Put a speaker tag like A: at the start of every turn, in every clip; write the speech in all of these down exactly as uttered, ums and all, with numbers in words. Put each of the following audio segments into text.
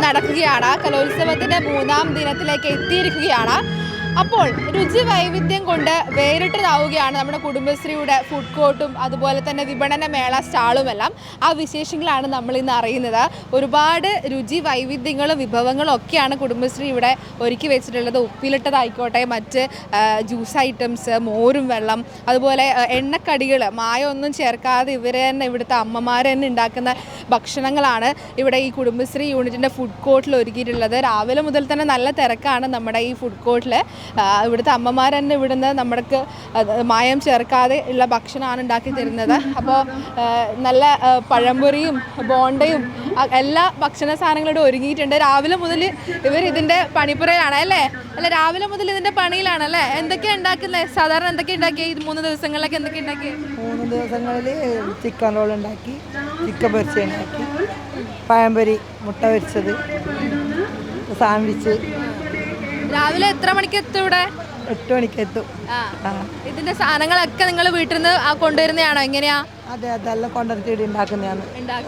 A: നടക്കുകയാണ്. കലോത്സവത്തിന്റെ മൂന്നാം ദിനത്തിലേക്ക് എത്തിയിരിക്കുകയാണ്. അപ്പോൾ രുചി വൈവിധ്യം കൊണ്ട് വേറിട്ടതാവുകയാണ് നമ്മുടെ കുടുംബശ്രീയുടെ ഫുഡ് കോർട്ടും അതുപോലെ തന്നെ വിപണന മേള സ്റ്റാളുമെല്ലാം. ആ വിശേഷങ്ങളാണ് നമ്മൾ ഇന്ന് അറിയുന്നത്. ഒരുപാട് രുചി വൈവിധ്യങ്ങളും വിഭവങ്ങളും ഒക്കെയാണ് കുടുംബശ്രീ ഇവിടെ ഒരുക്കി വെച്ചിട്ടുള്ളത്. ഉപ്പിലിട്ടതായിക്കോട്ടെ, മറ്റ് ജ്യൂസ് ഐറ്റംസ്, മോരും വെള്ളം, അതുപോലെ എണ്ണക്കടികൾ, മായമൊന്നും ചേർക്കാതെ ഇവർ തന്നെ ഇവിടുത്തെ അമ്മമാർ തന്നെ ഉണ്ടാക്കുന്ന ഭക്ഷണങ്ങളാണ് ഇവിടെ ഈ കുടുംബശ്രീ യൂണിറ്റിൻ്റെ ഫുഡ് കോർട്ടിൽ ഒരുക്കിയിട്ടുള്ളത്. രാവിലെ മുതൽ തന്നെ നല്ല തിരക്കാണ് നമ്മുടെ ഈ ഫുഡ് കോർട്ടിൽ. ഇവിടുത്തെ അമ്മമാർ തന്നെ ഇവിടുന്ന് നമ്മൾക്ക് മായം ചേർക്കാതെ ഉള്ള ഭക്ഷണമാണ് ഉണ്ടാക്കി തരുന്നത്. അപ്പോൾ നല്ല പഴംപൊരിയും ബോണ്ടയും എല്ലാ ഭക്ഷണ സാധനങ്ങളും ഒരുങ്ങിയിട്ടുണ്ട്. രാവിലെ മുതൽ ഇവർ ഇതിൻ്റെ പണിപ്പുറയാണ് അല്ലേ? അല്ല, രാവിലെ മുതൽ ഇതിൻ്റെ പണിയിലാണല്ലേ? എന്തൊക്കെയാണ് ഉണ്ടാക്കുന്നത്? സാധാരണ എന്തൊക്കെയാണ് ഉണ്ടാക്കിയത് ഈ മൂന്ന് ദിവസങ്ങളിലൊക്കെ? എന്തൊക്കെ ഉണ്ടാക്കി?
B: മൂന്ന് ദിവസങ്ങളിൽ ചിക്കൻ റോൾ ഉണ്ടാക്കി, ചിക്കൻ പൊരിച്ച ഉണ്ടാക്കി, പഴംപൊരി, മുട്ട പൊരിച്ചത്, സാൻഡ്വിച്ച്.
A: രാവിലെ എത്ര മണിക്ക് എത്തും ഇവിടെ?
B: എട്ട് മണിക്ക് എത്തും.
A: ഇതിന്റെ സാധനങ്ങളൊക്കെ നിങ്ങൾ വീട്ടിൽ നിന്ന് കൊണ്ടുവരുന്നതാണോ? എങ്ങനെയാ?
B: അതെ, അതെല്ലാം കൊണ്ടുവന്നിട്ട് ഉണ്ടാക്കുന്നതാണ്.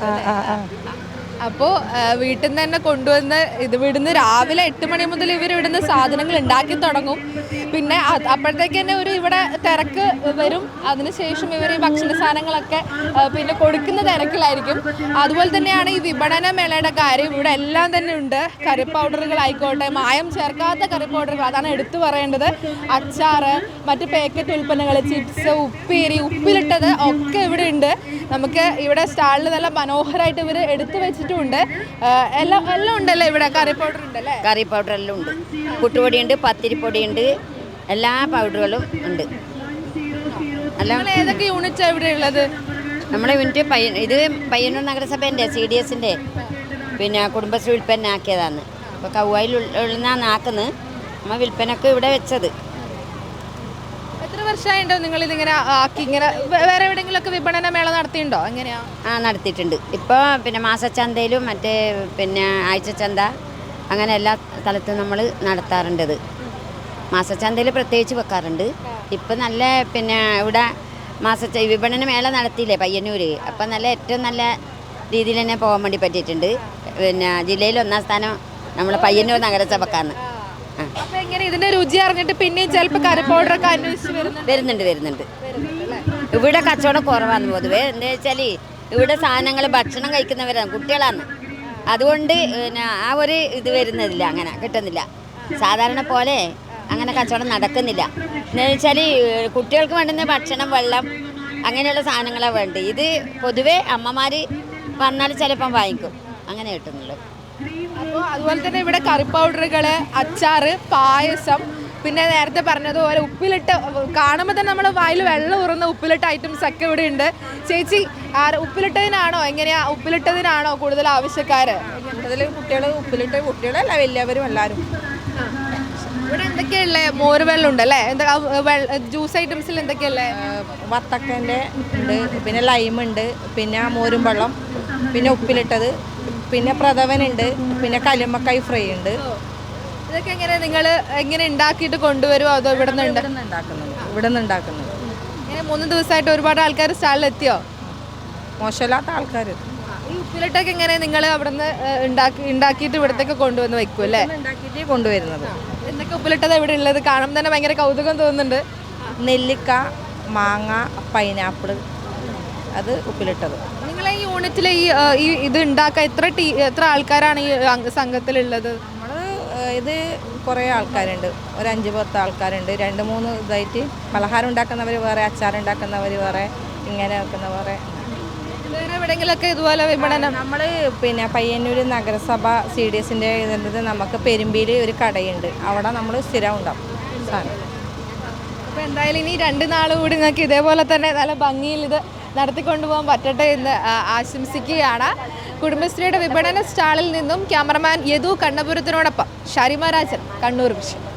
A: അപ്പോൾ വീട്ടിൽ നിന്ന് തന്നെ കൊണ്ടുവന്ന് ഇത് ഇവിടുന്ന് രാവിലെ എട്ട് മണി മുതൽ ഇവർ ഇവിടുന്ന് സാധനങ്ങൾ ഉണ്ടാക്കി തുടങ്ങും. പിന്നെ അപ്പോഴത്തേക്ക് തന്നെ ഒരു ഇവിടെ തിരക്ക് വരും. അതിനുശേഷം ഇവർ ഈ ഭക്ഷണ സാധനങ്ങളൊക്കെ പിന്നെ കൊടുക്കുന്ന തിരക്കിലായിരിക്കും. അതുപോലെ തന്നെയാണ് ഈ വിപണന മേളയുടെ കാര്യം. ഇവിടെ എല്ലാം തന്നെ ഉണ്ട്. കറി പൗഡറുകളായിക്കോട്ടെ, മായം ചേർക്കാത്ത കറി പൗഡറുകൾ, അതാണ് എടുത്തു പറയേണ്ടത്. അച്ചാറ്, മറ്റ് പാക്കറ്റ് ഉൽപ്പന്നങ്ങൾ, ചിപ്സ്, ഉപ്പേരി, ഉപ്പിലിട്ടത് ഒക്കെ ഇവിടെ ഉണ്ട്. നമുക്ക് ഇവിടെ സ്റ്റാളിൽ നല്ല മനോഹരമായിട്ട് ഇവർ എടുത്തു വെച്ചിട്ടുണ്ട്. എല്ലാം എല്ലാം ഉണ്ടല്ലേ ഇവിടെ? കറി പൗഡർ ഉണ്ടല്ലേ?
C: കറി പൗഡർ എല്ലാം ഉണ്ട്. പുട്ടുപൊടിയുണ്ട്, പത്തിരിപ്പൊടിയുണ്ട്, എല്ലാ പൗഡറുകളും ഉണ്ട്.
A: എല്ലാം ഏതൊക്കെ യൂണിറ്റാണ് ഇവിടെ ഉള്ളത്?
C: നമ്മുടെ യൂണിറ്റ് പയ്യ ഇത് പയ്യന്നൂർ നഗരസഭേൻ്റെ സി ഡി എസിൻ്റെ പിന്നെ കുടുംബശ്രീ വിൽപ്പന ആക്കിയതാണ്. അപ്പോൾ കൗവായിൽ ഉള്ളതാണ് ആക്കുന്നത്. നമ്മൾ വിൽപ്പനക്ക് ഇവിടെ വെച്ചത്.
A: എത്ര വർഷമായിട്ടോ നിങ്ങൾ ഇതിങ്ങനെ ആക്കി? ഇങ്ങനെ വേറെ എവിടെയെങ്കിലുമൊക്കെ വിപണന മേള നടത്തിയിട്ടുണ്ടോ? എങ്ങനെയാ?
C: ആ, നടത്തിയിട്ടുണ്ട്. ഇപ്പോൾ പിന്നെ മാസച്ചന്തയിലും മറ്റേ പിന്നെ ആഴ്ചച്ചന്ത അങ്ങനെ എല്ലാ സ്ഥലത്തും നമ്മൾ നടത്താറുണ്ടത്. മാസച്ചന്തയിൽ പ്രത്യേകിച്ച് വെക്കാറുണ്ട്. ഇപ്പം നല്ല പിന്നെ ഇവിടെ മാസ വിപണന മേള നടത്തിയില്ലേ പയ്യന്നൂർ, അപ്പം നല്ല ഏറ്റവും നല്ല രീതിയിൽ തന്നെ പോകാൻ വേണ്ടി പറ്റിയിട്ടുണ്ട്. പിന്നെ ജില്ലയിൽ ഒന്നാം സ്ഥാനം നമ്മളെ പയ്യന്നൂർ നഗരസഭക്കാണ്.
A: അപ്പൊ എങ്ങനെ ഇതിന്റെ രുചി അറിഞ്ഞിട്ട് പിന്നെയും ചിലപ്പോൾ കറി പൗഡറൊക്കെ അന്വേഷിച്ച്
C: വരുന്നുണ്ട് വരുന്നുണ്ട് ഇവിടെ കച്ചവടം കുറവാണ് പൊതുവേ. എന്താ വെച്ചാൽ ഇവിടെ സാധനങ്ങൾ ഭക്ഷണം കഴിക്കുന്നവരാണ്, കുട്ടികളാണ്. അതുകൊണ്ട് പിന്നെ ആ ഒരു ഇത് വരുന്നില്ല, അങ്ങനെ കിട്ടുന്നില്ല. സാധാരണ പോലെ അങ്ങനെ കച്ചവടം നടക്കുന്നില്ല. എന്താ വെച്ചാൽ കുട്ടികൾക്ക് വേണ്ടുന്ന ഭക്ഷണം, വെള്ളം, അങ്ങനെയുള്ള സാധനങ്ങളാണ് വേണ്ടത്. ഇത് പൊതുവേ അമ്മമാർ വന്നാൽ ചിലപ്പം വാങ്ങിക്കും, അങ്ങനെ കിട്ടുന്നുള്ളൂ.
A: അപ്പോൾ അതുപോലെ തന്നെ ഇവിടെ കറി പൗഡറുകൾ, അച്ചാറ്, പായസം, പിന്നെ നേരത്തെ പറഞ്ഞതുപോലെ ഉപ്പിലിട്ട് കാണുമ്പോൾ തന്നെ നമ്മുടെ വായിൽ വെള്ളം ഉറന്ന ഉപ്പിലിട്ട ഐറ്റംസ് ഒക്കെ ഇവിടെ ഉണ്ട്. ചേച്ചി, ഉപ്പിലിട്ടതിനാണോ എങ്ങനെയാ? ഉപ്പിലിട്ടതിനാണോ കൂടുതൽ ആവശ്യക്കാർ?
D: കൂടുതൽ കുട്ടികൾ ഉപ്പിലിട്ട്, കുട്ടികളല്ല വലിയവരും എല്ലാവരും.
A: ഇവിടെ എന്തൊക്കെയല്ലേ? മോര് വെള്ളം ഉണ്ടല്ലേ? എന്താ ജ്യൂസ് ഐറ്റംസിൽ എന്തൊക്കെയല്ലേ?
D: വത്തക്കൻ്റെ ഉണ്ട്, പിന്നെ ലൈമുണ്ട്, പിന്നെ മോരും വെള്ളം, പിന്നെ ഉപ്പിലിട്ടത്, പിന്നെ പ്രഥവനുണ്ട്, പിന്നെ കല്ലുമ്മക്കായ് ഫ്രൈ ഉണ്ട്.
A: ഇതൊക്കെ എങ്ങനെ നിങ്ങൾ എങ്ങനെ ഉണ്ടാക്കിയിട്ട് കൊണ്ടുവരുമോ അതോ ഇവിടെ നിന്ന്
D: ഉണ്ടാക്കുന്നത്? ഇവിടെ നിന്ന് ഉണ്ടാക്കുന്നത്.
A: ഇങ്ങനെ മൂന്ന് ദിവസമായിട്ട് ഒരുപാട് ആൾക്കാർ സ്റ്റാളിൽ എത്തിയോ?
D: മോശമില്ലാത്ത ആൾക്കാർ.
A: ഈ ഉപ്പിലിട്ടൊക്കെ എങ്ങനെ നിങ്ങൾ അവിടെ നിന്ന് ഉണ്ടാക്കി ഉണ്ടാക്കിയിട്ട് ഇവിടത്തേക്ക് കൊണ്ടുവന്ന് വെക്കും അല്ലേ?
D: ഉണ്ടാക്കിയിട്ട് കൊണ്ടുവരുന്നത്.
A: എന്തൊക്കെ ഉപ്പിലിട്ടത് ഇവിടെ ഉള്ളത്? കാണുമ്പോൾ തന്നെ ഭയങ്കര കൗതുകം തോന്നുന്നുണ്ട്.
D: നെല്ലിക്ക, മാങ്ങ, പൈനാപ്പിൾ, അത് ഉപ്പിലിട്ടത്.
A: നിങ്ങളെ ഈ യൂണിറ്റിൽ ഈ ഇത് ഉണ്ടാക്കാൻ എത്ര ടീ എത്ര ആൾക്കാരാണ് ഈ സംഘത്തിലുള്ളത്?
D: നമ്മൾ ഇത് കുറേ ആൾക്കാരുണ്ട്, ഒരു അഞ്ച് പത്ത് ആൾക്കാരുണ്ട്. രണ്ട് മൂന്ന് ഇതായിട്ട് പലഹാരം ഉണ്ടാക്കുന്നവർ വേറെ, അച്ചാറുണ്ടാക്കുന്നവർ വേറെ, ഇങ്ങനെ വെക്കുന്നവരെ.
A: വേറെ എവിടെയെങ്കിലൊക്കെ ഇതുപോലെ വിപണനം?
D: നമ്മൾ പിന്നെ പയ്യന്നൂർ നഗരസഭ സി ഡി എസിൻ്റെ ഇതിൻ്റെ നമുക്ക് പെരുമ്പിയിൽ ഒരു കടയുണ്ട്, അവിടെ നമ്മൾ സ്ഥിരം ഉണ്ടാവും സാധനം.
A: അപ്പോൾ എന്തായാലും ഇനി രണ്ട് നാൾ കൂടി നിങ്ങൾക്ക് ഇതേപോലെ തന്നെ നല്ല ഭംഗിയിൽ ഇത് നടത്തിക്കൊണ്ടുപോകാൻ പറ്റട്ടെ എന്ന് ആശംസിക്കുകയാണ്. കുടുംബശ്രീയുടെ വിപണന സ്റ്റാളിൽ നിന്നും ക്യാമറമാൻ യദു കണ്ണപുരത്തിനോടൊപ്പം ഷാരിമ രാജൻ, കണ്ണൂർ വിഷൻ.